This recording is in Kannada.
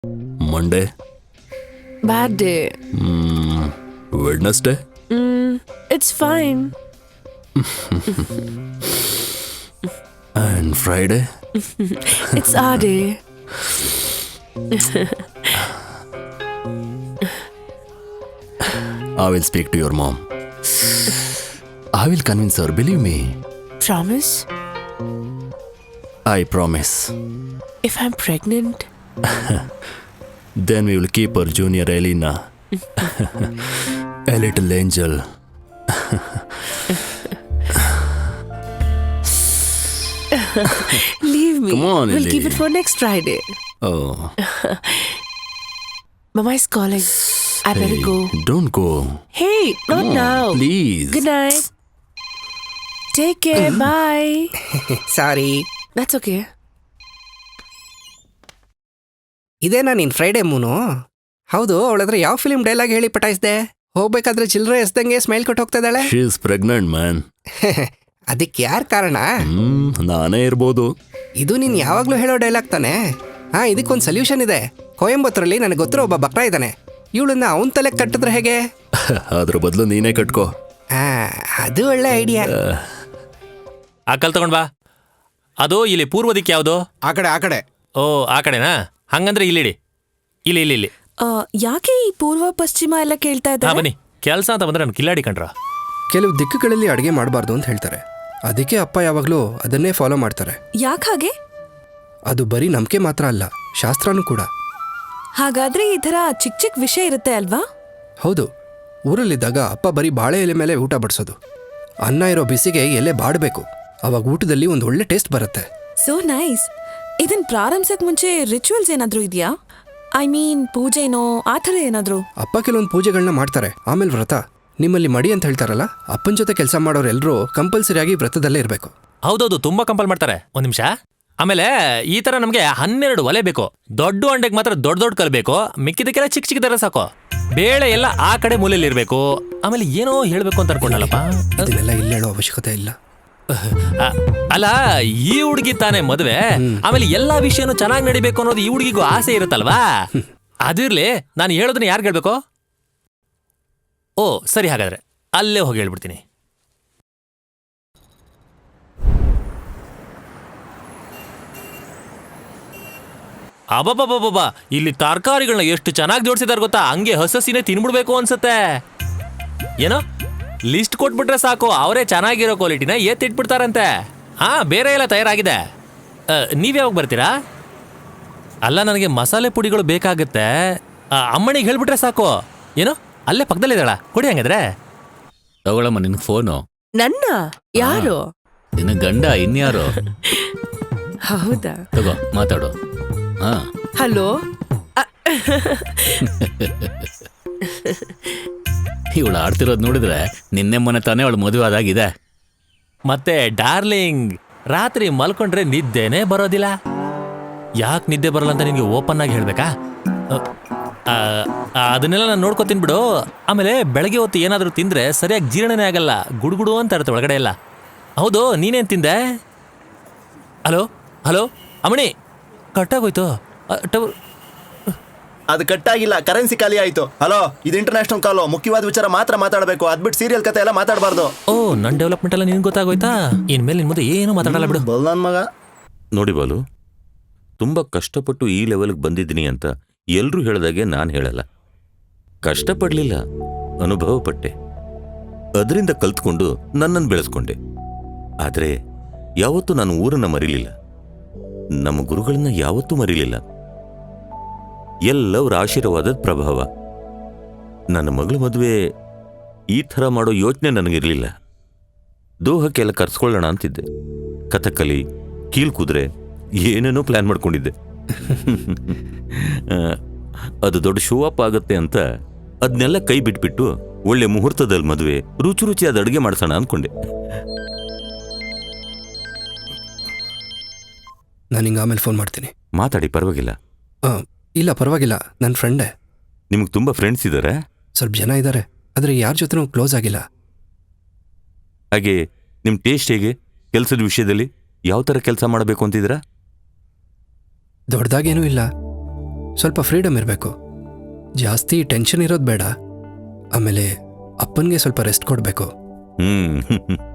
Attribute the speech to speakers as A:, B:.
A: Monday.
B: Bad day.
A: Wednesday.
B: It's fine.
A: And Friday.
B: It's our day.
A: I will speak to your mom. I will convince her, believe me.
B: Promise?
A: I promise.
B: If I'm pregnant?
A: Then we will keep her junior Elena. A little angel.
B: Leave me.
A: Come on,
B: We'll
A: Ellie.
B: keep it for next Friday.
A: Oh.
B: Mama is calling. I better
A: Hey,
B: go.
A: don't go.
B: Hey, not
A: Come on,
B: now.
A: Please.
B: Good night. Take care. Bye.
C: Sorry.
B: That's okay.
C: ಇದೇನಾ ನಿನ್ ಫ್ರೈಡೆ ಮೂನು? ಹೌದು, ಅವಳತ್ರ ಯಾವ ಫಿಲ್ಮ್ ಡೈಲಾಗ್ ಹೇಳಿ ಪಟಾಯಿಸ್ದೆ? ಹೋಗ್ಬೇಕಾದ್ರೆ ಚಿಲ್ಲರೆ ಎಸ್ದಂಗೆ ಸ್ಮೈಲ್ ಕೊಟ್ಟು ಹೋಗ್ತಾ ಇದ್ದಾಳೆ.
A: She is pregnant, man.
C: ಅದಕ್ಕೆ ಯಾರ್ ಕಾರಣ?
A: ನಾನೇ ಇರ್ಬೋದು.
C: ಇದು ನೀನ್ ಯಾವಾಗ್ಲೂ ಹೇಳೋ ಡೈಲಾಗ್ ತಾನೆ. ಇದಕ್ಕೊಂದು ಸೊಲ್ಯೂಷನ್ ಇದೆ. ಕೊಯಂಬತ್ತೂರಲ್ಲಿ ನನಗೆ ಗೊತ್ತಿರೋ ಒಬ್ಬ ಬಕ್ರ ಇದ್ದಾನೆ. ಇವಳನ್ನ ಅವನ್ ತಲೆ ಕಟ್ಟಿದ್ರೆ ಹೇಗೆ?
A: ಅದ್ರ ಬದಲು ನೀನೇ ಕಟ್ಕೋ.
C: ಅದು ಒಳ್ಳೆ ಐಡಿಯಾ.
D: ಆ ಕಲ್ ತಗೊಂಡ್ ಬಾ. ಅದು ಇಲ್ಲಿ ಪೂರ್ವ ದಿಕ್ಕು ಯಾವುದು?
C: ಆ ಕಡೆ.
D: ಓ, ಆ ಕಡೆನಾ? ಹಂಗಂದ್ರೆ ಇಲ್ಲಿಡಿ. ಇಲ್ಲಿ.
B: ಯಾಕೆ ಈ ಪೂರ್ವ ಪಶ್ಚಿಮ ಎಲ್ಲ ಕೇಳ್ತಾ
D: ಹಾ,
B: ಇದ್ದಾರೆ?
D: ಬನ್ನಿ. ಕೆಲಸ ಅಂತ ಬಂದ್ರೆ ನಾನು ಕಿಲ್ಲಾಡಿ ಕಂಡ್ರ.
C: ಕೆಲವು ದಿಕ್ಕುಗಳಲ್ಲಿ ಅಡುಗೆ ಮಾಡಬಾರ್ದು ಅಂತ ಹೇಳ್ತಾರೆ. ಅದಕ್ಕೆ ಅಪ್ಪ ಯಾವಾಗಲೂ ಅದನ್ನೇ ಫಾಲೋ ಮಾಡ್ತಾರೆ.
B: ಯಾಕೆ ಹಾಗೆ?
C: ಅದು ಬರೀ ನಂಬಿಕೆ ಮಾತ್ರ ಅಲ್ಲ, ಶಾಸ್ತ್ರನೂ ಕೂಡ.
B: ಹಾಗಾದ್ರೆ ಈ ಥರ ಚಿಕ್ಕ ಚಿಕ್ಕ ವಿಷಯ ಇರುತ್ತೆ ಅಲ್ವಾ?
C: ಹೌದು, ಊರಲ್ಲಿದ್ದಾಗ ಅಪ್ಪ ಬರೀ ಬಾಳೆ ಎಲೆ ಮೇಲೆ ಊಟ ಬಡಿಸೋದು. ಅನ್ನ ಇರೋ ಬಿಸಿಗೆ ಎಲೆ ಬಾಡಬೇಕು. ಅವಾಗ ಊಟದಲ್ಲಿ ಒಂದು ಒಳ್ಳೆ ಟೇಸ್ಟ್ ಬರುತ್ತೆ.
B: So nice. ಇದನ್ ಪ್ರಾರಂಭಿಸಕ್ ಮುಂಚೆ ರಿಚುವಲ್ಸ್ ಏನಾದ್ರೂ ಇದೆಯಾ? ಐ ಮೀನ್ ಪೂಜೆನೋ ಆ ಥರ ಏನಾದ್ರು?
C: ಅಪ್ಪ ಕೆಲವೊಂದು ಪೂಜೆಗಳನ್ನ ಮಾಡ್ತಾರೆ, ಆಮೇಲೆ ವ್ರತ. ನಿಮ್ಮಲ್ಲಿ ಮಡಿ ಅಂತ ಹೇಳ್ತಾರಲ್ಲ, ಅಪ್ಪನ ಜೊತೆ ಕೆಲಸ ಮಾಡೋರೆಲ್ಲರೂ ಕಂಪಲ್ಸರಿಯಾಗಿ ವ್ರತದಲ್ಲೇ ಇರಬೇಕು.
D: ಹೌದೌದು, ತುಂಬಾ ಕಂಪಲ್ ಮಾಡ್ತಾರೆ. ಒಂದ್ ನಿಮಿಷ. ಆಮೇಲೆ ಈ ತರ ನಮ್ಗೆ 12 ಒಲೆ ಬೇಕು. ದೊಡ್ಡ ಅಂಡೆಗೆ ಮಾತ್ರ ದೊಡ್ಡ ಕಲ್ಬೇಕು. ಮಿಕ್ಕಿದಕ್ಕೆಲ್ಲ ಚಿಕ್ಕ ಚಿಕ್ಕದಾರ ಸಾಕು. ಬೇಳೆ ಎಲ್ಲ ಆ ಕಡೆ ಮೂಲೆಯಲ್ಲಿ ಇರ್ಬೇಕು. ಆಮೇಲೆ ಏನೋ ಹೇಳ್ಬೇಕು ಅಂತ ಅನ್ಕೊಂಡಲ್ಲಪ್ಪ.
C: ಇದನ್ನೆಲ್ಲ ಇಲ್ಲಿ ಹೇಳೋ ಅವಶ್ಯಕತೆ ಇಲ್ಲ.
D: ಅಲ್ಲ, ಈ ಹುಡುಗಿ ತಾನೇ ಮದ್ವೆ. ಆಮೇಲೆ ಎಲ್ಲಾ ವಿಷಯನೂ ಚೆನ್ನಾಗಿ ನಡಿಬೇಕು ಅನ್ನೋದು ಈ ಹುಡುಗಿಗೂ ಆಸೆ ಇರುತ್ತಲ್ವಾ? ಅದಿರ್ಲಿ, ನಾನು ಹೇಳೋದನ್ನ ಯಾರು ಹೇಳ್ಬೇಕು? ಓ ಸರಿ, ಹಾಗಾದ್ರೆ ಅಲ್ಲೇ ಹೋಗಿ ಹೇಳ್ಬಿಡ್ತೀನಿ. ಅಬ್ಬಬ್ಬಬ್ಬಬ್ಬ, ಇಲ್ಲಿ ತರಕಾರಿಗಳನ್ನ ಎಷ್ಟು ಚೆನ್ನಾಗಿ ಜೋಡಿಸಿದಾರೆ ಗೊತ್ತಾ? ಹಂಗೆ ಹಸಸಿನೇ ತಿನ್ಬಿಡ್ಬೇಕು ಅನ್ಸುತ್ತೆ. ಏನೋ ಲಿಸ್ಟ್ ಕೊಟ್ಬಿಟ್ರೆ ಸಾಕು, ಅವರೇ ಚೆನ್ನಾಗಿರೋ ಕ್ವಾಲಿಟಿನ ಎತ್ತಿಟ್ಬಿಡ್ತಾರಂತೆ. ಬೇರೆ ಎಲ್ಲ ತಯಾರಾಗಿದೆ. ನೀವ್ಯಾವಾಗ ಬರ್ತೀರಾ? ಅಲ್ಲ, ನನಗೆ ಮಸಾಲೆ ಪುಡಿಗಳು ಬೇಕಾಗುತ್ತೆ. ಅಮ್ಮನಿಗೆ ಹೇಳ್ಬಿಟ್ರೆ ಸಾಕು. ಏನೋ ಅಲ್ಲೇ ಪಕ್ಕದಲ್ಲಿದ್ದಾಳ, ಕೊಡಿ ಹಂಗಾದ್ರೆ.
E: ತಗೊಳಮ್ಮ ನಿನ್ ಫೋನು.
B: ನನ್ನ ಯಾರು?
E: ನಿನ್ನ ಗಂಡ ಇನ್ಯಾರು?
B: ಹೌದಾ?
E: ತಗೋ ಮಾತಾಡು. ಹಾ,
B: ಹಲೋ.
E: ಇವಳು ಆಡ್ತಿರೋದು ನೋಡಿದ್ರೆ ನಿನ್ನೆ ಮೊನ್ನೆ ತಾನೇ ಅವಳು ಮದುವೆ ಆದಾಗಿದೆ.
D: ಮತ್ತೆ ಡಾರ್ಲಿಂಗ್, ರಾತ್ರಿ ಮಲ್ಕೊಂಡ್ರೆ ನಿದ್ದೆನೇ ಬರೋದಿಲ್ಲ. ಯಾಕೆ ನಿದ್ದೆ ಬರಲ್ಲ ಅಂತ ನಿನ್ಗೆ ಓಪನ್ ಆಗಿ ಹೇಳ್ಬೇಕಾ? ಅದನ್ನೆಲ್ಲ ನಾನು ನೋಡ್ಕೊತೀನಿ ಬಿಡು. ಆಮೇಲೆ ಬೆಳಗ್ಗೆ ಹೊತ್ತು ಏನಾದರೂ ತಿಂದ್ರೆ ಸರಿಯಾಗಿ ಜೀರ್ಣನೇ ಆಗಲ್ಲ. ಗುಡುಗುಡು ಅಂತ ಇರುತ್ತೆ ಒಳಗಡೆ ಎಲ್ಲ. ಹೌದು, ನೀನೇನು ತಿಂದೆ? ಹಲೋ ಅಮ್ಮಣಿ, ಕಟ್ಟಾಗೋಯ್ತು.
F: ಅದು ಕಟ್ಟಾಗಿಲ್ಲ, ಕರೆನ್ಸಿ ಖಾಲಿ ಆಯ್ತು. ಹಲೋ, ಇದು ಇಂಟರ್ನ್ಯಾಷನಲ್ ಕಾಲು. ಮುಖ್ಯವಾದ ವಿಚಾರ ಮಾತ್ರ ಮಾತಾಡಬೇಕು. ಅದ್ಬಿಟ್ಟು ಸೀರಿಯಲ್ ಕತೆ ಎಲ್ಲ ಮಾತಾಡಬಾರ್ದು.
D: ಓ, ನನ್ನ ಡೆವಲಪ್ಮೆಂಟ್ ಎಲ್ಲ ನಿನ್ಗೆ ಗೊತ್ತಾಗೋಯ್ತಾ? ಇನ್ಮೇಲೆ ನಿನ್ ಮುಂದೆ ಏನು ಮಾತಾಡಲ್ಲ ಬಿಡು.
F: ಬಲ್ ನನ್ನ ಮಗ.
G: ನೋಡಿ ಬಾಲು, ತುಂಬ ಕಷ್ಟಪಟ್ಟು ಈ ಲೆವೆಲ್ಗೆ ಬಂದಿದ್ದೀನಿ ಅಂತ ಎಲ್ಲರೂ ಹೇಳಿದಾಗೆ ನಾನು ಹೇಳಲ್ಲ. ಕಷ್ಟಪಡಲಿಲ್ಲ, ಅನುಭವ ಪಟ್ಟೆ. ಅದರಿಂದ ಕಲ್ತ್ಕೊಂಡು ನನ್ನನ್ನು ಬೆಳೆಸ್ಕೊಂಡೆ. ಆದರೆ ಯಾವತ್ತೂ ನಾನು ಊರನ್ನು ಮರಿಲಿಲ್ಲ, ನಮ್ಮ ಗುರುಗಳನ್ನ ಯಾವತ್ತೂ ಮರಿಲಿಲ್ಲ. ಎಲ್ಲವರ ಆಶೀರ್ವಾದದ ಪ್ರಭಾವ. ನನ್ನ ಮಗಳ ಮದುವೆ ಈ ಥರ ಮಾಡೋ ಯೋಚನೆ ನನಗಿರಲಿಲ್ಲ. ದೋಹಕ್ಕೆಲ್ಲ ಕರ್ಸ್ಕೊಳ್ಳೋಣ ಅಂತಿದ್ದೆ. ಕಥಕಲಿ, ಕೀಲ್ಕುದ್ರೆ ಏನೇನೋ ಪ್ಲ್ಯಾನ್ ಮಾಡ್ಕೊಂಡಿದ್ದೆ. ಅದು ದೊಡ್ಡ ಶೋ ಅಪ್ ಆಗುತ್ತೆ ಅಂತ ಅದನ್ನೆಲ್ಲ ಕೈ ಬಿಟ್ಬಿಟ್ಟು ಒಳ್ಳೆ ಮುಹೂರ್ತದಲ್ಲಿ ಮದುವೆ, ರುಚಿ ರುಚಿಯಾದ ಅಡುಗೆ ಮಾಡಿಸೋಣ ಅಂದ್ಕೊಂಡೆ.
C: ನಾನು ಹಿಂಗೆ ಆಮೇಲೆ ಫೋನ್ ಮಾಡ್ತೀನಿ.
G: ಮಾತಾಡಿ, ಪರವಾಗಿಲ್ಲ.
C: ಇಲ್ಲ ಪರವಾಗಿಲ್ಲ, ನನ್ನ ಫ್ರೆಂಡೇ.
G: ನಿಮಗೆ ತುಂಬ ಫ್ರೆಂಡ್ಸ್ ಇದ್ದಾರೆ?
C: ಸ್ವಲ್ಪ ಜನ ಇದ್ದಾರೆ, ಆದರೆ ಯಾರ ಜೊತೆನೂ ಕ್ಲೋಸ್ ಆಗಿಲ್ಲ.
G: ಹಾಗೆ ನಿಮ್ಮ ಟೇಸ್ಟ್ ಹೇಗೆ? ಕೆಲಸದ ವಿಷಯದಲ್ಲಿ ಯಾವ ಥರ ಕೆಲಸ ಮಾಡಬೇಕು ಅಂತಿದ್ದೀರಾ?
C: ದೊಡ್ಡದಾಗೇನೂ ಇಲ್ಲ, ಸ್ವಲ್ಪ ಫ್ರೀಡಮ್ ಇರಬೇಕು. ಜಾಸ್ತಿ ಟೆನ್ಷನ್ ಇರೋದು ಬೇಡ. ಆಮೇಲೆ ಅಪ್ಪನಿಗೆ ಸ್ವಲ್ಪ ರೆಸ್ಟ್ ಕೊಡಬೇಕು.